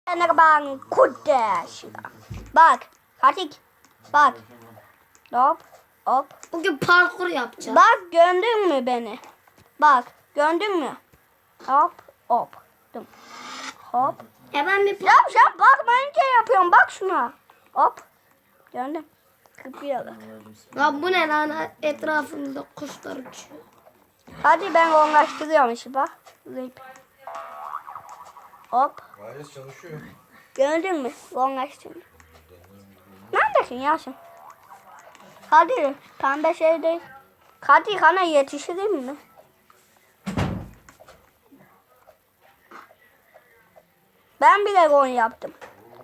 Merhaba kardeş. Bak. Hatik. Bak. Hop. Hop. Bugün parkur yapacağız. Bak gördün mü beni? Bak gördün mü? Hop hop. Dım. Hop. Ben bir Yap bakmayınca yapıyorum. Bak şuna. Hop. Gördün. Kıpıyorum. Ya bu ne lan? Etrafımızda kuşlar uçuyor. Hadi ben onlaştırıyorum işi bak. Zıp. Hop. Gayet çalışıyor. Gördün mü? Onlaştırdım. Neredesin Yasin? Hadi pembe şey değil. Hadi kana yetişirim mi? Ben bile gol yaptım.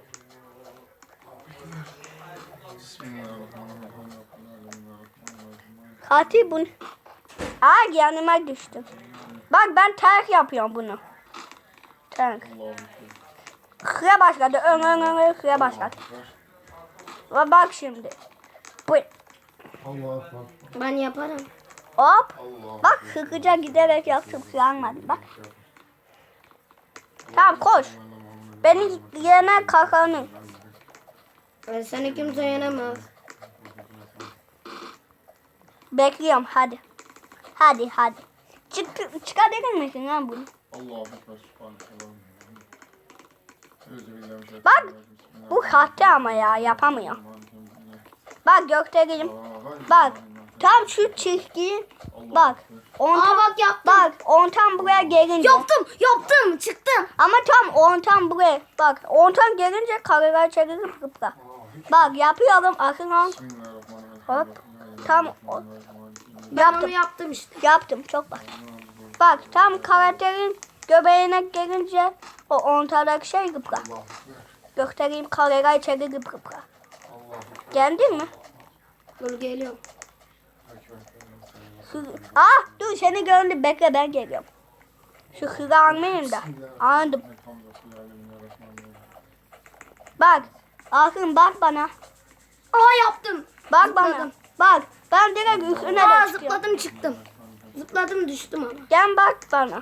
Hadi bunu. Aa yanıma düştüm. Bak ben terk yapıyorum bunu. Terk. Hıya başladı. Hıya başladı. Ve bak şimdi. Bu. Ben yaparım. Hop. Bak hızlıca giderek yaptım. Yanmadı bak. Tamam koş. Beni yene kakanın. Seni kimse yenemez. Bekliyorum hadi. Hadi. Çıkabilir misin lan bunu? Bak bu sahte ama ya yapamıyor. Bak gökdelenim. Bak tam şu çizgiyi bak. Bak yaptım. Bak ontan buraya gelince. Yaptım. Çıktım. Ama tam ontan buraya. Bak ontan gelince kareler çevirip kıpra. Bak yapıyorum akın on. Hop. Tam Ben onu yaptım işte. Yaptım çok bak. Bak tam karakterin göbeğine gelince o ontadaki şey kıpra. Göstereyim kareler çevirip kıpra. Geldin mi? Dur geliyorum. Dur seni gördüm bekle ben geliyorum. Şu hızı almayayım da. Anladım. Bak. Akın bak bana. Yaptım. Bak Zıpladım. bana. Bak. Ben direkt üstüne de çıkıyorum. Zıpladım çıktım. Zıpladım düştüm ama. Gel bak bana.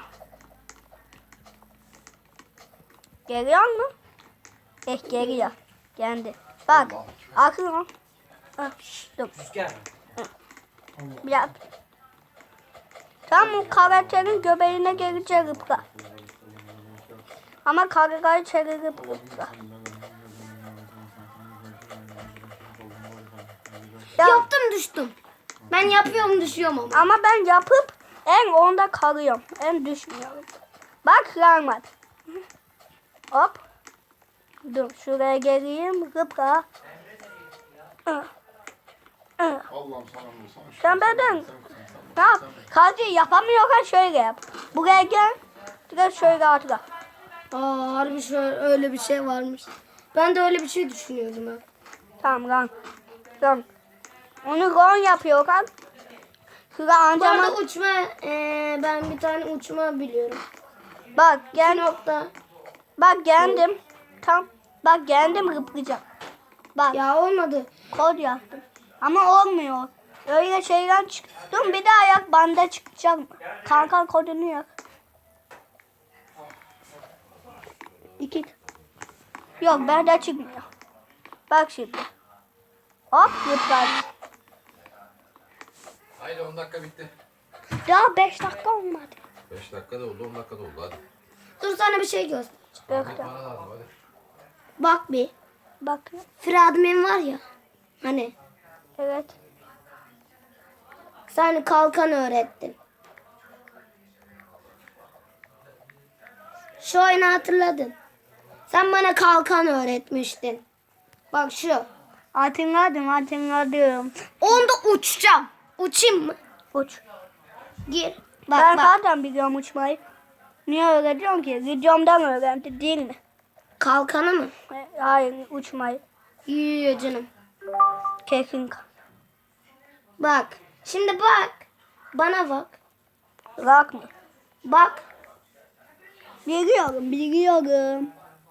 Geliyor mu? Geliyor. Geldi. Bak. Akın o. Dur. Yap. Tam o karakterin göbeğine gelince rıpla. Ama karakayı çevirip rıpla. Yaptım düştüm. Ben yapıyorum düşüyorum ama. Ama ben yapıp en onda kalıyorum. En düşmüyorum. Bak rahmet. Hop. Dur şuraya geleyim. Rıpla. Allah'ım sana mı? Sen benden. Ne yap? Hadi yapamıyorsan şöyle yap. Buraya gel. Direkt şöyle atla. Harbi şöyle öyle bir şey varmış. Ben de öyle bir şey düşünüyordum ha. Tamam lan. Tamam. Onu gon yapıyor kan. Şurada Bu arada antrenman. uçma ben bir tane uçma biliyorum. Bak Bir gel. nokta. Bak geldim. Tam. Bak geldim rıplayacağım. Bak Ya olmadı. kod yaptım. Ama olmuyor. Öyle şeyden çıktım. Bir de ayak banda çıkacak mı? Kanka kodunu yap. 2. Yok bende çıkmıyor. Bak şimdi. Hop yıpradı. Haydi 10 dakika bitti. Daha 5 dakika olmadı. 5 dakika da oldu 10 dakika da oldu hadi. Dur sana bir şey göster. Gökte. Bana lazım hadi. Bak bir. Bak. Fıradmen var ya. Hani Evet. sen kalkan öğrettin. Şu oyunu hatırladın. Sen bana kalkan öğretmiştin. Bak şu. Hatırladım. Onda uçacağım. Uçayım mı? Uç. Gir. Ben Bak. zaten biliyorum uçmayı. Niye öğretiyorum ki? Videomdan öğrendi değil mi? Kalkanı mı? Hayır uçmayı. Yiyor canım. Kesin. Bak. Şimdi bak. Bana bak. Rak mı? Bak. Biliyorum.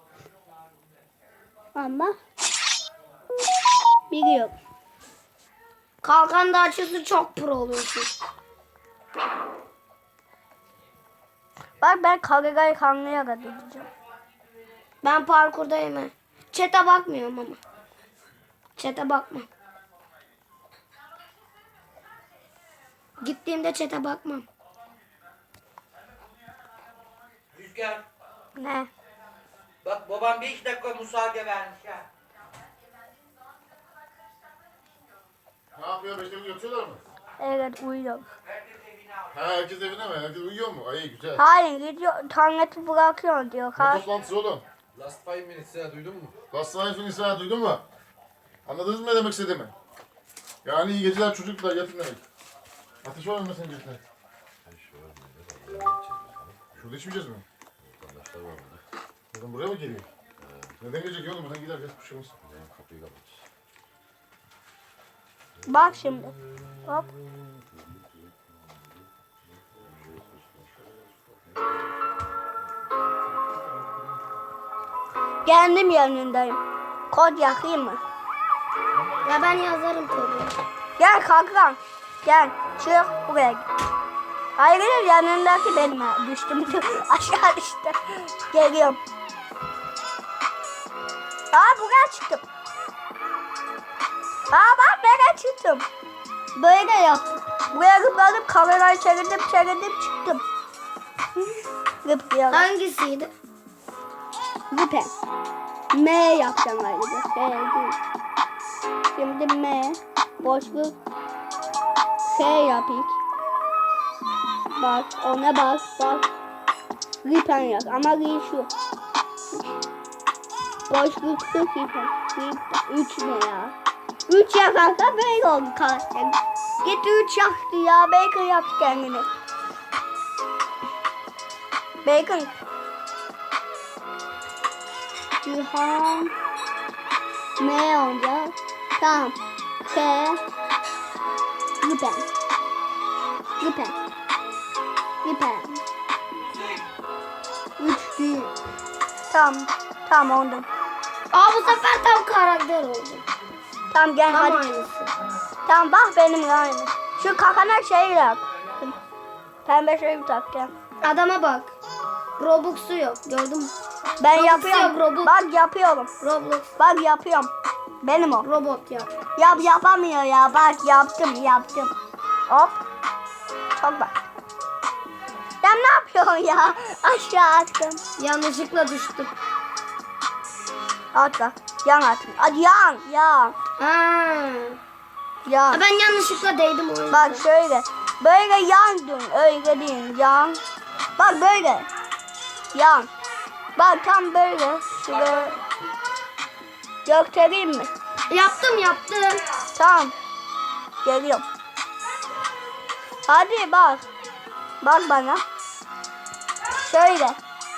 Ama biliyorum. Kalkan da açısı çok pro oluyorsun. Bak ben Kagega'yı kanlıya kadar gideceğim. Ben parkurdayım he. Chat'e bakmıyorum ama. Chat'e bakma. Gittiğimde chat'e bakmam. Rüzgar, Ne? bak babam 5 dakika müsaade vermiş ha. Ne yapıyor? Beşleri yatıyorlar mı? Evet uyuyor. Ha herkes evine mi? Herkes uyuyor mu? Ay güzel. Hayır gidiyor. Tableti bırakıyor diyor. Ne toplantısı oğlum? Last 5 minutes ya duydun mu? Last Night Finisher'ı duydun mu? Anladınız mı ne demek istediğimi? Yani iyi geceler çocuklar yatın demek. Ateş var mı senin geceler? Şurada içmeyeceğiz mi? Vatandaşlar var burada. Buradan buraya mı geliyor? Neden gelecek oğlum? Buradan gider. Geç bir şey olmaz. Kapıyı kapat. Bak şimdi. Hop. Kendim yanındayım. Kod yakayım mı? Ya ben yazarım kodu. Gel kalkan. Gel. Çık buraya git. Hayır yanındaki benim ha. Düştüm. Aşağı düştüm. Geliyorum. Aa buraya çıktım. Aa bak nereye çıktım. Böyle yaptım. Buraya zıpladım kamerayı çevirdim çıktım. Zıplayalım. Hangisiydi? Zıpen. M yapacağım ayrıca. H değil. Şimdi M. Boşluk. H yap ilk. Bak ona bak. Ripen yap ama ri şu. Boşluk sık ripen. 3 ne ya? 3 yakarsa böyle oldu karakter. Git 3 yaktı ya. Bacon yaptı kendini. Bacon. Cihan M olacak. Tamam. K Lipen. Lipen. 3 değil. Tamam oldu. Aa bu sefer tam karakter oldu. Tamam gel Tam hadi. aynısı. Tamam bak benim aynı. Şu kakana şey yap. Pembe şey tak gel. Adama bak. Robux'u yok gördün mü? Ben Robux yapıyorum. yok, Robux. Bak yapıyorum. Roblox Bak yapıyorum. Benim o. robot yap. Yapamıyor ya. Bak yaptım. Hop. Çok bak. Ya ne yapıyorsun ya? Aşağı attım. Yanlışlıkla düştüm. Atla. Yan attım. Hadi yan. Ha. Yan. Ben yanlışlıkla değdim o yüzden. Bak şöyle. Böyle yandın. Öyle değil. Yan. Bak böyle. Yan. Bak tam böyle. Şuraya. Göstereyim mi? Yaptım. Tamam. Geliyorum. Hadi bak. Bak bana. Şöyle.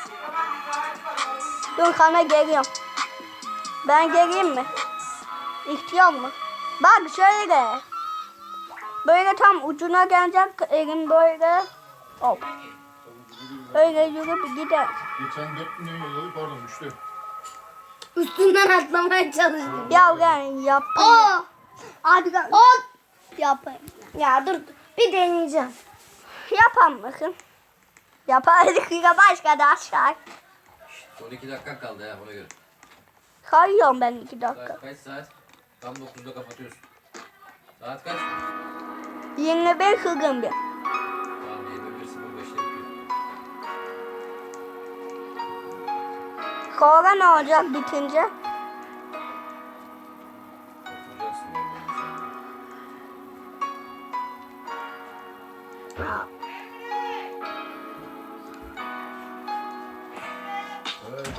Dur sana geliyorum. Ben geleyim mi? İhtiyar mı? Bak şöyle. Böyle tam ucuna gelecek elim böyle. Hop. Öyle yürüp gider. Geçen 4 milyon yolladı pardon düştü. Üstünden atlamaya çalıştım. Ya ben yapayım. Oo. Hadi gel. Yapayım. Ya dur bir deneyeceğim. Yapar mısın? Yapardık ya başka da aşağı. Son 2 dakikan kaldı ya ona göre. Kayıyorum ben 2 dakika. Saat kaç saat? Tam 9'da kapatıyorsun. Saat kaç? 25 hızım bir. Tamam 21.05'te bitiyor. Sonra ne olacak bitince? Oturacaksın yani. Evet.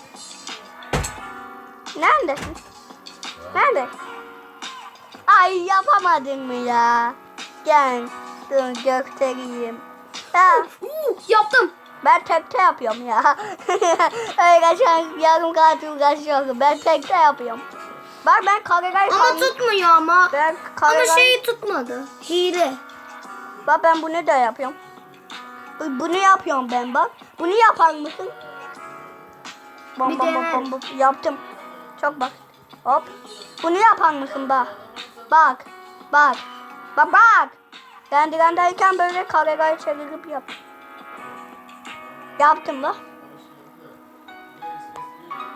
Neredesin? Nerede? Ay yapamadın mı ya? Gel. Dur göstereyim. Ya, Yaptım. ben tekte yapıyorum ya. Öyle sen yarım saat uğraşıyorum. Ben tekte yapıyorum. Bak ben kamerayı Ama tutmuyor ama. Ben Ama kamerayı... şeyi tutmadı. Hile. Bak ben bunu da yapıyorum. Bunu yapıyorum ben bak. Bunu yapar mısın? Bir dene. Bom. Yaptım. Çok bak. Hop. Bunu yapar mısın bak. Bak. Ben direndeyken böyle kamerayı çevirip yap. Yaptım bak.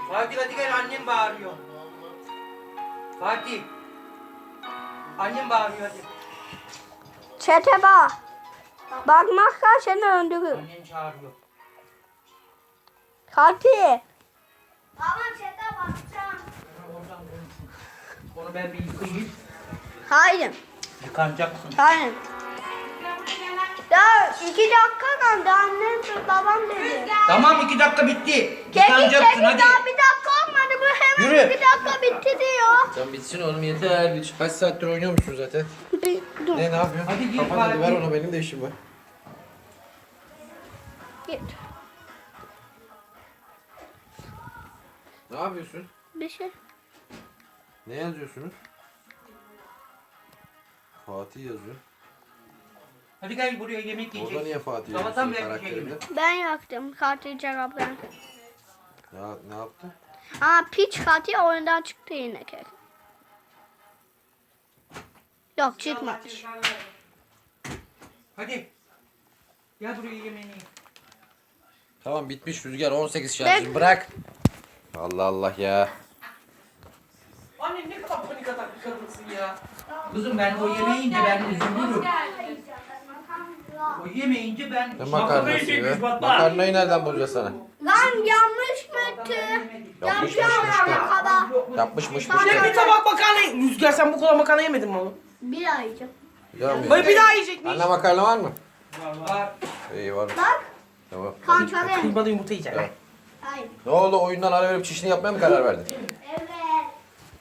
Fatih hadi gel, annem bağırıyor. Fatih. Annem bağırıyor hadi. Çete bak. Bakmazsan seni öldürür. Annen çağırıyor. Fatih. Baba çete bakacağım. Oradan konuşun. Onu ben bir yıkayayım. Hayır. Yıkanacaksın. Hayır. Daha 2 dakika kaldı. Annem babam dedi. Tamam 2 dakika bitti. Kedi Yıkanacaksın hadi. daha 1 dakika olmadı. Bu hemen Yürü. 2 dakika bitti diyor. Sen bitsin oğlum yeter. Kaç saattir oynuyormuşsun zaten. Dur. Ne yapıyorsun? Hadi gir Kapat hadi ver Fatih. onu, benim de işim var. Git. Ne yapıyorsun? Bir şey. Ne yazıyorsunuz? Fatih yazıyor. Hadi gel buraya yemek Orada yiyeceksin. niye Fatih Sabahtan yazıyorsun beri bir şey karakterinde? Ben yaktım. Fatih cevaplarını. Ya ne yaptın? Ama piç Fatih oyundan çıktı yine kek. Yok çıkmamış. Hadi. Gel buraya yemeğini ye. Tamam bitmiş Rüzgar, 18 şarjım bırak. Allah Allah ya. Anne ne kadar panik atak bir kadınsın ya. Kızım ben o yemeyince ben üzülürüm. O yemeyince ben... Ne makarnası be? Makarnayı nereden bulacağız sana? Lan yanlış mıydı? Yapmışmış Kaba. Yapmışmış Bir tabak makarna. Rüzgar sen bu kadar makarna yemedin mi oğlum? Bir ayıcım. Böyle bir daha yiyecek miyiz? Anne makarna var mı? Var. İyi var. Bak. Tamam. Kontrolüm. Kıymalı yumurta yiyeceksin. Evet. Hayır. Ne oldu, oyundan ara verip çişini yapmaya mı karar verdin? Evet.